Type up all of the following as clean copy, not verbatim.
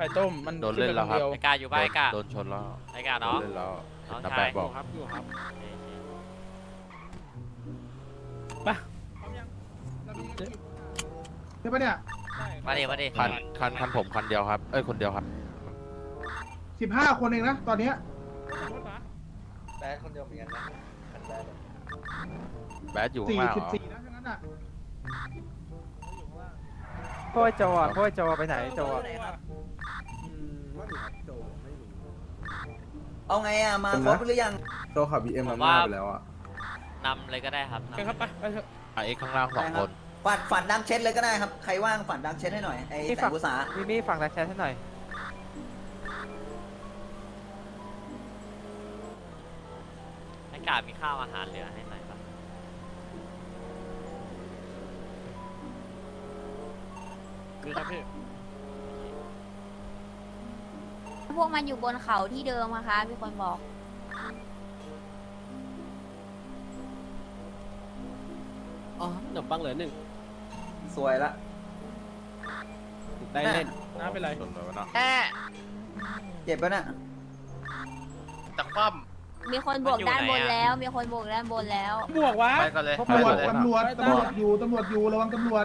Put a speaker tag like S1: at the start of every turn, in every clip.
S1: ข่ต้มมัน
S2: โดนเล่นแล้วครับ
S3: ไอ้กาอยู่บ้านไอ้กา
S2: โดนชนแล้ว
S3: ไอ้กา
S2: โดน
S3: เนาะ
S2: เล่นแล้ว
S3: น้อง
S2: น้า
S3: ชา
S2: แปะ
S3: ย
S2: บอก
S1: ครับอยู่ครับ
S3: โอเค
S1: ไป
S4: ใช่ปะเนี่ย
S3: มาดิมาดิ
S2: คันผมคันเดียวครับเอ้ยคนเดียวครับ
S4: 15 คนเองนะตอนเนี้ย
S5: แบดคนเดียวเหมือนกันนะแบด
S2: แบดอยู่ข้างล่างเหรอ
S4: 44นะทั้งนั้นอ่ะ
S6: พ่อโจอ่ะพ่อโจไปไหนโจอ่ะ
S5: เอาไงอ่ะมาครบหรือยัง
S7: โตขับ BM มันมาไปแล้วอ่ะ
S3: นำเลยก็ได้ครับ
S1: ไปครับไปเถอะ
S2: เอ็กข้างล่างสองคน
S5: ฝันดังเช็ดเลยก็ได้ครับใครว่างฝันดังเช็ดให้หน่อยไอ้แต่งภาษา
S6: มีฝั่งดักแชทให้หน่อย
S3: ไอ้กามีข้าวอาหารเหลือให้หน่อยปะ
S1: ดีครับพี่
S8: พวกมันอยู่บนเขาที่เดิมนะคะมีคนบอก
S9: อ๋อขนมปังเหลือหนึ่ง
S5: สวยละ
S9: ได้เล่น
S1: น้าเป็นไร
S2: ชนเลยวะเนาะ
S5: เจ็บปะน่ะ
S2: ตะคว่
S8: มีคนบวกด้านบนแล้ว มีคนบวกด้านบนแล้ว
S1: บวกวะ
S2: ำไปกันเลย
S4: ตำรวจตำรวจตำรวจอยู่ระวังตำรวจ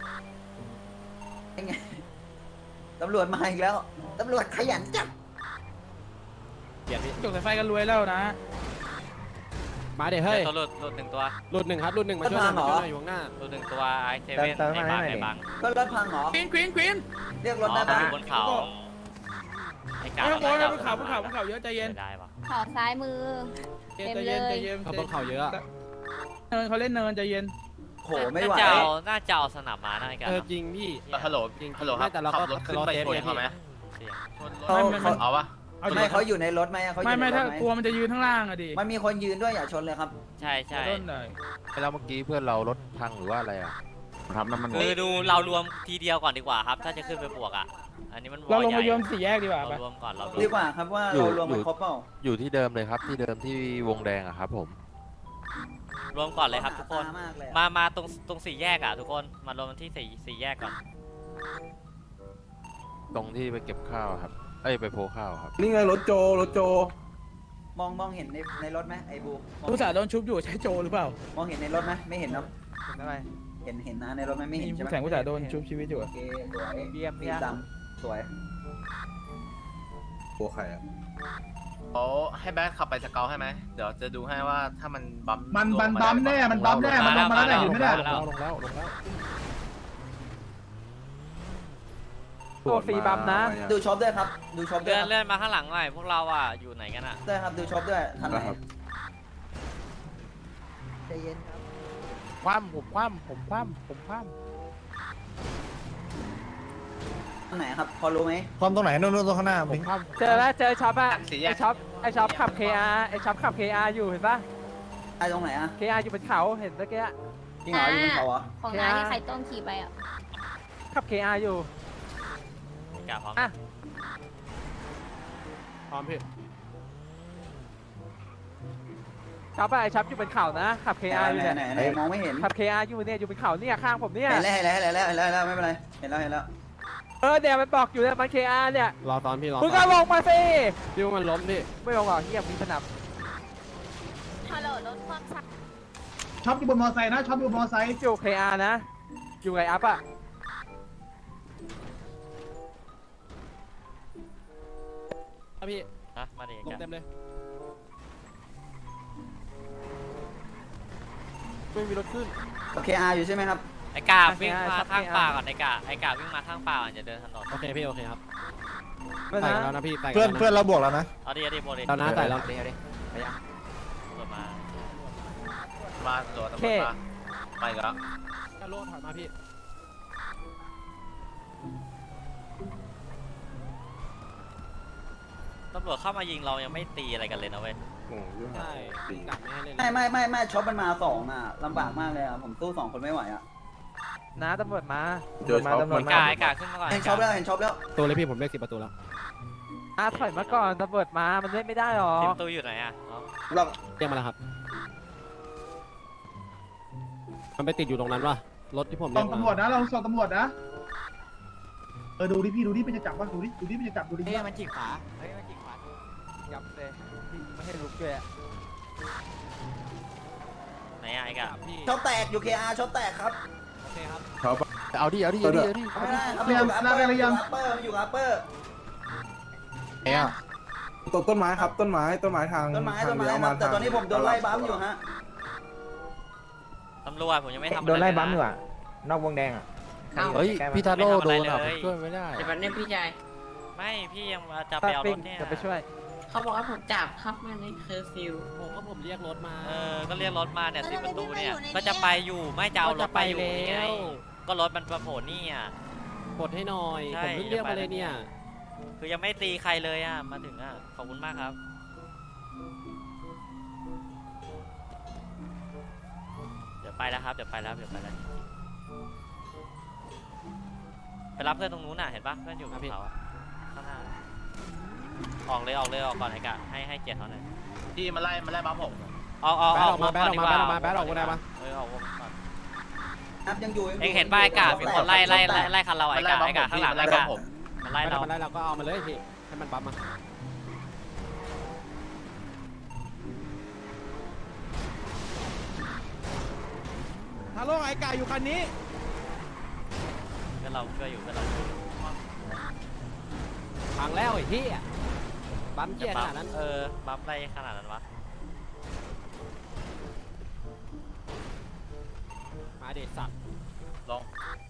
S5: ยังไงตำรวจมาอีกแล้วตำรวจขยันจับ
S9: เกียรติพี่
S1: จกสายไฟกันรวยแล้วนะ
S9: มาเดี๋ยวเฮ้ย
S3: ตัวหลุดหนึ่งตัว
S9: รุ่นหนึ่งครับรุ่นหนึ่งมาช่วยหน่อยมาช่วยหน่อยอยู่ข้างหน้า
S3: หลุดหนึ่งตัวไอ้เซเว่นไอ้บังไอ้บัง
S5: ก็รถพังเหรอ
S1: ควีน
S5: เรียกร
S3: อ๋
S5: ถ
S3: อ
S5: ได้
S3: มัน
S5: ปะ
S3: อยู่บนเขาไอ้กา
S1: ไม่ต้องโวยบนเขาเยอะใจเย็น
S3: ได้ปะ
S8: เขาซ้ายมือ
S1: ใจเย็นใจเย็น
S9: เขาบนเขาเยอะอะ
S1: เนินเขาเล่นเนินใจเย็น
S5: โหไม่ไหว
S3: น่าจะเอาสนับมานะไอ้กา
S9: จริงพี่
S2: ฮัลโหล
S9: จริง
S2: ฮัลโหลครับ
S9: แต่เรา
S2: ขั
S9: ก็
S2: บรถขึ้นไปชนเขาไหม
S3: เสียง
S2: เอาวะ
S1: เอา
S5: ไม่เขาอยู่ในรถไหมเขาอยู่ใน
S1: ไม่
S5: รถ
S1: ถ้า
S5: ไหม
S1: กลัวมันจะยืนข้างล่างอะดิ
S5: มันมีคนยืนด้วยอย่าชนเลยครับ
S3: ใช่ใช่
S1: ต้นเลย
S2: แล้วเมื่อกี้เพื่อนเรารถพังหรือว่าอะไรอ่ะครับน้ำมัน
S3: คือดูเรารวมทีเดียวก่อนดีกว่าครับ ถ้าจะขึ้นไปบวกอ่ะอันนี้มัน
S1: เราลง
S3: ให
S1: มา
S3: ญ่
S1: โยมสี่แยกดีกว่า
S3: เรา
S1: ปะ
S3: รวมก่อนเราร
S5: ดี
S3: วม
S5: กว่าครับว่าเรารวมกันครบเปล่า
S2: อยู่ที่เดิมเลยครับที่เดิมที่วงแดงอะครับผม
S3: รวมก่อนเลยครับทุกคน
S5: มากเลย
S3: มาตรงสี่แยกอ่ะทุกคนมารวมกันที่สี่แยกก่อน
S2: ตรงที่ไปเก็บข้าวครับเอ้ยไปโพข้าวครับ
S7: นี่ไงรถโจ
S5: มองเห็นในรถไหมไอ้บู
S1: ผู้สาวโดนชุบอยู่ใช้โจหรือเปล่าม
S5: องเห็นในรถไหมไม่เห็นเนาะ
S6: เห็นอะไร
S5: เห็นนะในรถไหมไม่เห็นใช่ไหม
S1: แสงผู้สาวโดนชุบชีวิตอยู่
S5: โอเคสวย
S6: เบียม
S5: สี
S6: เนี่ย
S5: ดำสวย
S7: โอใครอ่ะ
S10: เขาให้แบทขับไปสเกลให้ไหม เดี๋ยวจะดูให้ว่าถ้ามันบัม
S4: มันบัมแน่มันบัมแน่มันลงมาแล้วเนี่ยเห็นไหมเนี่ย
S1: ลงแล้ว
S6: ตัวฟรีบัมนะ
S5: ดูช็อปด้วยครับ ดูช็อปด้วยครับ
S3: เลื่อนมาข้างหลังหน่อยพวกเราอ่ะอยู่ไหนกันอ่ะ
S5: ด้วยครับดูช็อปด้วยทันไหน
S7: นะครับ
S5: ใจเย็นครับ
S2: คว่ำผมคว่ำผมคว่ำผมคว่
S5: ทันไหนครับพอรู้ไหม
S7: ความตรงไหนนู่นตรงข้างหน้า
S2: ำผมคว่ำ
S6: เจอแล้วเจอช็อปอะไอช็อปขับ KR ไอช็อปขับ KR อยู่เห็นปะ
S5: ไอ้ตรงไหนอะ
S6: KR อยู่บนเขาเห็นเมื่อกี้
S5: จริงเหรออยู่บนเขาเหรอ
S8: ของน้าที่ไข่ต้มขี่ไปอ่ะ
S6: ขับ KR อยู่
S3: กาพร้อม
S6: อ่ะ
S9: พร้อมพี่
S6: ช็อปอะไอช็อปอยู่บนเขานะขับ KR อยู่
S5: ไหน
S6: เนี่ย
S5: ไหนมองไม่เห็น
S6: ขับ KR อยู่เนี่ยอยู่บนเขาเนี่ยข้างผมเนี่ย
S5: เห็นแล้วไม่เป็นไรเห็นแล้ว
S6: เนี่ยมันบอกอยู่เนี่ยมัน KR เนี่ย
S9: รอตอนพี่รอ
S6: มึงก็ลงมาสิ
S9: พี่ว่ามันล้มพี่
S6: ไม่ลงหรอกเฮียมีสนับ
S8: ฮัลโหลรถความสัก
S4: ช็อปอยู่บนมอไซค์นะช็อปอยู่บนมอไซค์
S6: อยู่ KR นะ อยู่ไงอัพอะ
S9: ครับพี่
S3: ฮะมาดิ
S9: ลง
S3: กา
S9: เต็มเลย
S6: ไม่มีรถขึ้น
S5: โอเคอาอยู่ใช่ไหมครับ
S3: ไอ้กาวิ่งมาข้างป่าก่อนไอ้กาวิ่งมาข้างป่าก่อนอย่าเดินถนน
S9: โอเคพี่โอเคครับ
S6: ไม่
S9: ใส่
S6: นะ
S9: แล้วนะพี่ใส่
S7: เพื่อน
S9: แล้วะ
S7: เพื่อนเราบวกแล้วนะ
S3: เอาดิโบดิ
S9: เรานะใส่แล้ว
S3: เปิดมา
S10: มาตัวตำรวจมาไปแล้ว
S9: กระโลถอยมาพี่
S3: ตำรวจเข้ามายิงเรายังไม่ตีอะไรกันเลยนะเว้ย
S9: ใช่กัดไม่ให้เล่น
S5: ไม่ช็อปมันมาสองอ่ะลำบากมากเลยอ่ะผมสู้สองคนไม่ไหวอ่ะ
S6: นะตำรวจมา
S7: เจอช็อป
S6: ตำรวจ
S3: ไอ้กาขึ้นมาก่อน
S5: เห็นช็อปแล้ว
S9: ตัวเลยพี่ผมเลข10 ประตูแล้ว
S6: ถอยมาก่อนตำรวจมามันเล่นไม่ได้หรอ
S3: ทีมตูอยู่ไหนอ่ะ
S9: เรียกมาแล้วครับ มันไปติดอยู่ตรงนั้นวะรถที่ผม
S4: ส่
S9: เรีย
S4: ง
S9: ก
S4: ตำรวจ
S9: มา
S4: นะเราส่งตำรวจนะดูดิพี่ดูดิมันจะจับป่ะดูดิมันจะจับดูดิ
S6: เฮ้ยมันจิกขาเฮ้ยมันจิกขายับเลยพี่ไม่ให้ลุกด้วยอะ
S3: ไหนอะไอ้กะ
S9: พี่
S5: ช็อปแตกอยู่ KR ช็อปแตกครับ
S9: โอเคครับ
S2: เอาดิ
S5: ไม่ได้ครับมันอยู่อัปเปอร์
S2: เนี่ย
S7: ต้นไม้ครับต้นไม้ทาง
S5: ต้นไม้
S7: ทาง
S5: ค
S7: เลี้ยว
S5: รั
S7: มา
S5: บแต่ตอนนี้ผมโดนไล่บัมอยู่ฮะ
S3: ตำรวจผมยังไม่ทำอะร
S6: โดนไล่บัมอยู่
S3: เลยนะ
S6: อ่ะนอกวงแดงอ่ะ
S2: เฮ้ยพี่ทาโร่โดนอ่ะ
S3: ไม่
S2: ผม
S3: ทำอะไรเลย
S2: ช่วยไม่ได้
S11: แต่แบบนี้พี่ชาย
S3: ไม่พี่ยังจะไปเอารถเนี่ย
S6: จะไปช่วย
S11: เขาบอกว่าผมจับครับมาในเคอร์ฟิว
S9: ผมเรียกรถมา
S3: ก็เรียกรถมาเนี่ย10 ประตูเนี่ยก็จะไปอยู่ไม่จะเอารถไปอยู่นี่ไงก็รถมันมาโผล่นี่อ่ะ
S9: กดให้หน่อย
S3: ใช่
S9: ผมเพิ่งเรียกมาเลยเนี่ย
S3: คือยังไม่ตีใครเลยอ่ะมาถึงอ่ะขอบคุณมากครับเดี๋ยวไปแล้วครับเดี๋ยวไปแล้วไปรับเพื่อนตรงนู้นน่ะเห็นปะเพื่อนอยู่บนเขาอะข้างหน้าออกเลยออกก่อนไอ้กะให้เกียรติเขาหน่อย
S10: พี่มาไล่บัฟผม
S3: ออก
S9: แบทออกมา
S3: ก่นดีกว่
S9: แบทออกมา
S3: ออกวงก่อน
S5: ครับยังอยู่
S3: เอ็งเห็นป้ายกามีคนไล่คันเราไอ้กาข้างหลัง
S10: ไล่
S3: ไอ้
S10: บั
S3: กา
S10: ฟผม
S3: มัน
S9: ไล่
S3: ไล่เรา
S9: มันไล่เราก็เอามาเลยพี่ให้มันปั๊มมา
S1: ฮัลโหลไอ้กายอยู่คันนี้
S3: ก็เราช่วยอยู่ก็เรา
S9: พังแล้วไอ้ที่ปั๊มเกียร์ขนาดนั้น
S3: บัฟไล่ขนาดนั้นวะ
S9: มาเด็ดสัตว์
S10: ลง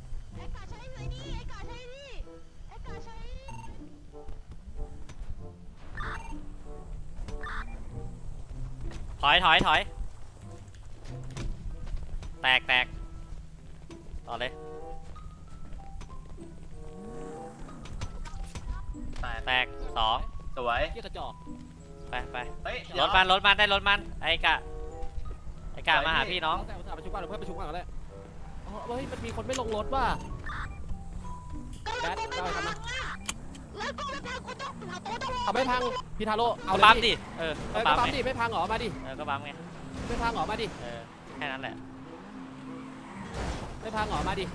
S3: ถอยแตกต่อเลยแตก2
S10: สวย
S9: เกียร์กระจอก
S3: ไป
S10: เฮ้ย
S3: รถมันได้รถมันไอ้กามาหาพี่น้อง
S9: แต่อุตส่าห์ประชุมก่อนเพื่อนประชุมก่อนก็ได้เฮ้ยมันมีคนไม่ลงรถว่ะแบทเอาไปทำนะเอาไม่พังพี่ทาโร่เอาเลย
S3: ปั๊มดิ
S9: ก็
S3: ปั๊ม
S9: ปั๊ม
S3: ไง
S9: ดิไม่พังเหรอมาดิ
S3: ก็ปั๊มไง
S9: ไม่พังเหรอมาดิ
S3: แค่นั้นแหละ
S9: ไม่พังเหรอมาดิ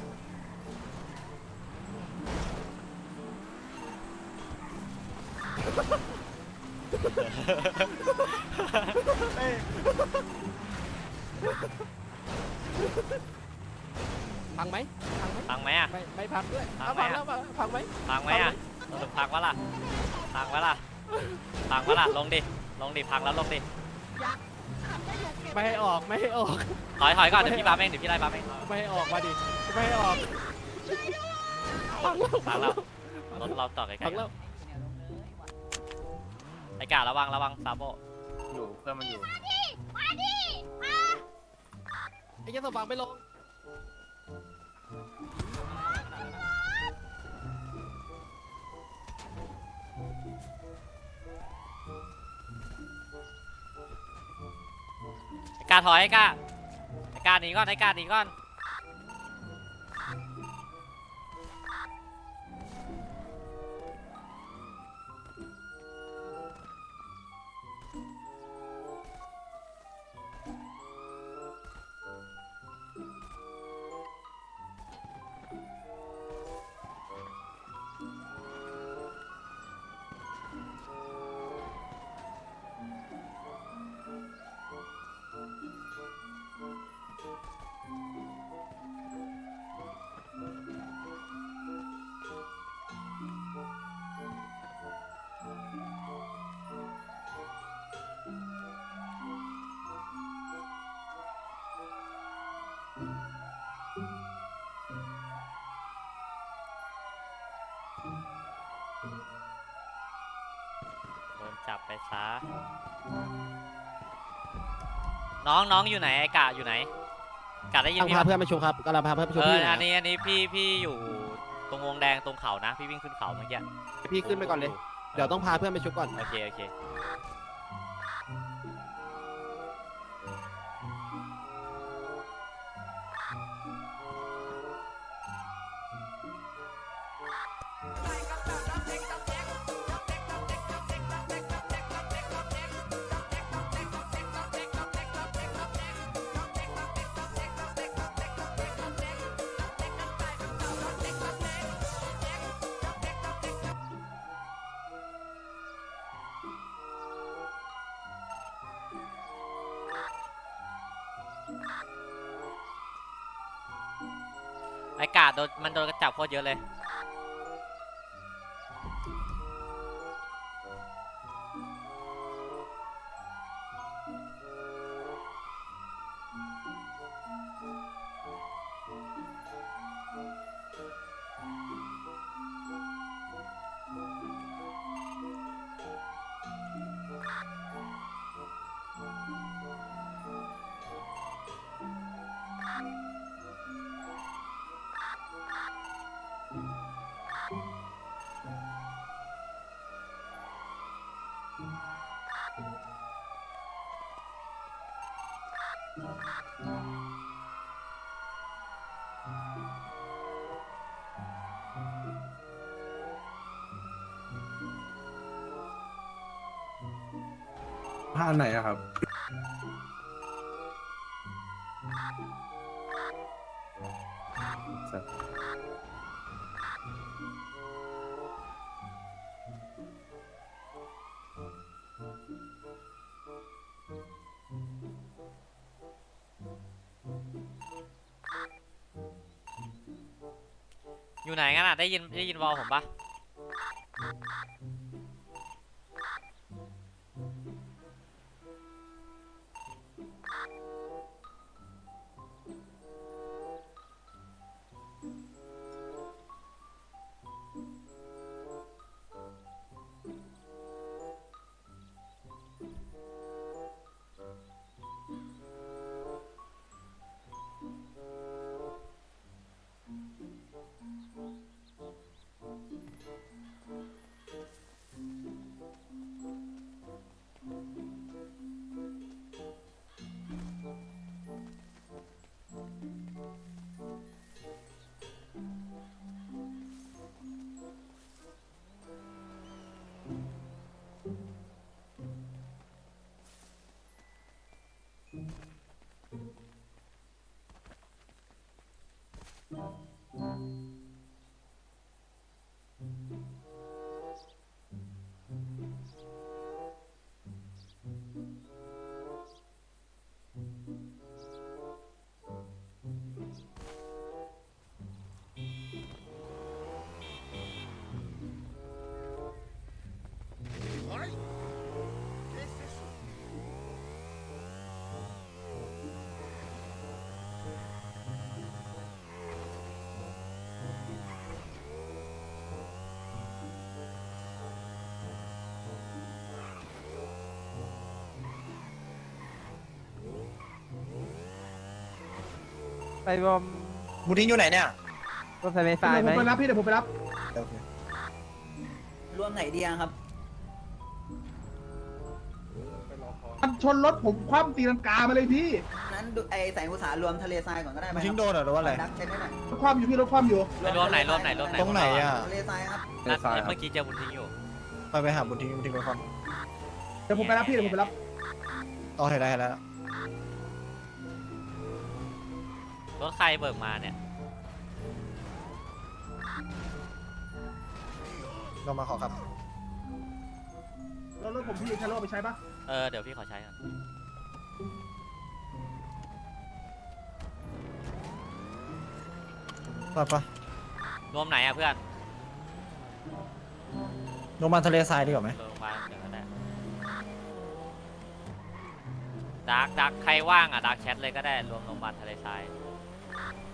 S9: พังไหม
S3: พังไหมอ่ะ
S9: ไม่พังด้วย
S3: พังไหม
S9: พังแล้วพังไหม
S3: พังไหมอ่ะสรุปพังวะล่ะลงดิพังแล้วลงดิ
S9: ไม่ให้ออกไม่ให้ออก
S3: ถอยก่อนเดี๋ยวพี่ปั๊มเองเดี๋ยวพี่ไล่ปั๊มเอง
S9: ไม่ให้ออกมาดิไม่ให้ออกพังแล้ว
S3: รถเราต่อไกล
S9: พังแล้ว
S3: ๆไอ้การะวังซาโบ
S10: อยู่เพื่อนมันอยู่
S9: ไอ้เจ้าสว่างไม่ลง
S3: ไอ้กาถอยไอ้กาหนีก่อนโดนจับไปซะน้องอยู่ไหนไอ้กาอยู่ไหนกาได้ยิน
S9: กำลัง
S3: พี่
S9: พา
S3: ปะ
S9: เพื่อนมาชมครับกำลังพาเพื่อนมาชมพี่
S3: อันนี้พี่อยู่ตรงวงแดงตรงเขานะพี่วิ่งขึ้นเขาเมื่อกี้
S9: พี่ขึ้นไปก่อนเลยเดี๋ยวต้องพาเพื่อนไปชุบก่อน
S3: โอเคไอ้กาดมันโดนกระจับโคตรเยอะเลย
S7: ท่าไหนอะครับ
S3: อยู่ไหนกันอ่ะได้ยินวอลผมปะ
S6: ไปบอม
S1: บูทิ้งอยู่ไหนเนี่ย
S6: รถไฟไม่ไฟไหม
S4: ผมไปรับพี่เดี๋ยวผมไปรับ
S5: รวมไหนดีอะครับ
S4: มันชนรถผมคว่ำตีลังกามาเลยพี่
S5: นั้นดูไอแสงอุตสาหรวมทะเลทรายก่อนก็ได้ไหม
S1: ทิ้งโดนเหรอหรือว่าอะไร
S5: ดักเช็คให้หน่อย
S4: รถคว่ำอยู่พี่รถคว่ำอยู่
S3: ไปรวมไหน
S1: ตรงไหนอ่ะ
S5: ทะเลทรายครับ
S3: นั่นเมื่อกี้เจอบุญทิ้งอยู่
S1: ไปหาบุญทิ้งไปก่อน
S4: เดี๋ยวผมไปรับพี่เดี๋ยวผมไปรับ
S1: อ๋อเห็นแล้ว
S3: รถใครเบิกมาเนี่ย
S1: ลงมาขอครับ
S4: รถผมพี่ใช้รถเอาไปใช้ปะ
S3: เดี๋ยวพี่ขอใช้ก่อน
S1: ไป
S3: รวมไหนอ่ะเพื่อน
S1: ลงมาทะเลทรายดีกว่าไหม
S3: รวมมาเดี๋ยวก็ได้ดักใครว่างอ่ะดักแชทเลยก็ได้รวมโรงพยาบาลทะเลทราย